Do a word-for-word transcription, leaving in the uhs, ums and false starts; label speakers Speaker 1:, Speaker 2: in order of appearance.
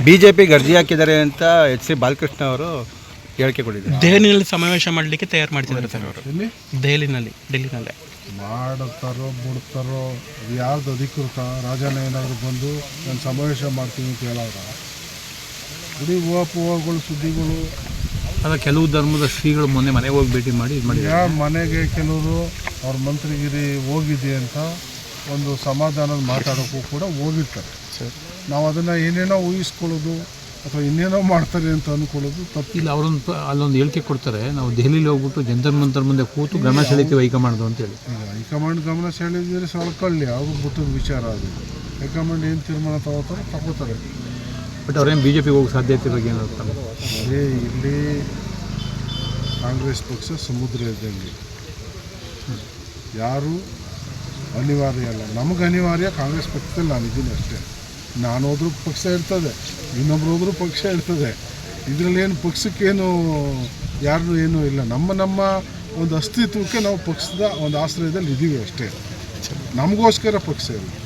Speaker 1: B J P ಗರ್ಜಿ ಹಾಕಿದ್ದಾರೆ ಅಂತ H C Balakrishna ಅವರು ಹೇಳಿಕೆ ಕೊಟ್ಟಿದ್ದಾರೆ.
Speaker 2: ದೆಹಲಿನಲ್ಲಿ ಸಮಾವೇಶ ಮಾಡಲಿಕ್ಕೆ ತಯಾರು ಮಾಡ್ತಿದ್ದಾರೆ ಸರ್ ಅವರು. ದೆಹಲಿನಲ್ಲಿ ಡೆಲ್ಲಿನಲ್ಲೇ
Speaker 3: ಮಾಡುತ್ತಾರೋ ಬಿಡ್ತಾರೋ ಅದು ಯಾರ್ದು ಅಧಿಕೃತ? ರಾಜನ ಏನಾದರೂ ಬಂದು ನಾನು ಸಮಾವೇಶ ಮಾಡ್ತೀನಿ ಅಂತ ಹೇಳೋರ ಇಡೀ ಊಹಾಪೋಹಗಳು ಸುದ್ದಿಗಳು.
Speaker 4: ಅಲ್ಲ, ಕೆಲವು ಧರ್ಮದ ಶ್ರೀಗಳು ಮೊನ್ನೆ ಮನೆಗೆ ಹೋಗಿ ಭೇಟಿ ಮಾಡಿ ಇದು ಮಾಡಿ
Speaker 3: ಯಾವ ಮನೆಗೆ ಕೆಲವರು ಅವ್ರ ಮಂತ್ರಿಗಿರಿ ಹೋಗಿದೆ ಅಂತ ಒಂದು ಸಮಾಧಾನದ ಮಾತಾಡೋಕ್ಕೂ ಕೂಡ ಹೋಗಿರ್ತಾರೆ. ನಾವು ಅದನ್ನು ಏನೇನೋ ಊಹಿಸ್ಕೊಳ್ಳೋದು ಅಥವಾ ಇನ್ನೇನೋ ಮಾಡ್ತಾರೆ ಅಂತ ಅಂದ್ಕೊಳ್ಳೋದು ತಪ್ಪು.
Speaker 4: ಇಲ್ಲ, ಅವರೊಂದು ಅಲ್ಲೊಂದು ಹೇಳಿಕೆ ಕೊಡ್ತಾರೆ, ನಾವು ದೆಹಲಿಲಿ ಹೋಗ್ಬಿಟ್ಟು ಜಂತರ್ ಮಂತರ್ ಮುಂದೆ ಕೂತು ಗಮನ ಸೆಳೀತೀವಿ ಹೈಕಮಾಂಡ್ ಅಂತೇಳಿ.
Speaker 3: ಈಗ ಹೈಕಮಾಂಡ್ ಗಮನ ಸೆಳೆದಿದ್ರೆ ಸೊಳ್ಕೊಳ್ಳಿ, ಅವ್ರಿಗೆ ಬಿಟ್ಟದ ವಿಚಾರ ಅದು. ಹೈಕಮಾಂಡ್ ಏನು ತೀರ್ಮಾನ ತಗೋತಾರೋ ತಗೋತಾರೆ.
Speaker 4: ಬಟ್ ಅವ್ರೇನು ಬಿ ಜೆ ಪಿಗೆ ಹೋಗೋ ಸಾಧ್ಯತೆ ಬಗ್ಗೆ ಏನಾಗ್ತಾರೆ?
Speaker 3: ಅದೇ ಇಲ್ಲಿ ಕಾಂಗ್ರೆಸ್ ಪಕ್ಷ ಸಮುದ್ರ ಇದ್ದಂಗೆ, ಯಾರು ಅನಿವಾರ್ಯ ಅಲ್ಲ. ನಮಗೆ ಅನಿವಾರ್ಯ ಕಾಂಗ್ರೆಸ್ ಪಕ್ಷದಲ್ಲಿ ನಾನಿದ್ದೀನಿ ಅಷ್ಟೇ. ನಾನು ಹೋದ್ರೂ ಪಕ್ಷ ಇರ್ತದೆ, ಇನ್ನೊಬ್ರು ಹೋದ್ರೂ ಪಕ್ಷ ಇರ್ತದೆ. ಇದರಲ್ಲೇನು ಪಕ್ಷಕ್ಕೇನು ಯಾರು ಏನೂ ಇಲ್ಲ. ನಮ್ಮ ನಮ್ಮ ಒಂದು ಅಸ್ತಿತ್ವಕ್ಕೆ ನಾವು ಪಕ್ಷದ ಒಂದು ಆಶ್ರಯದಲ್ಲಿ ಇದ್ದೀವಿ ಅಷ್ಟೇ. ನಮಗೋಸ್ಕರ ಪಕ್ಷ ಇಲ್ಲ.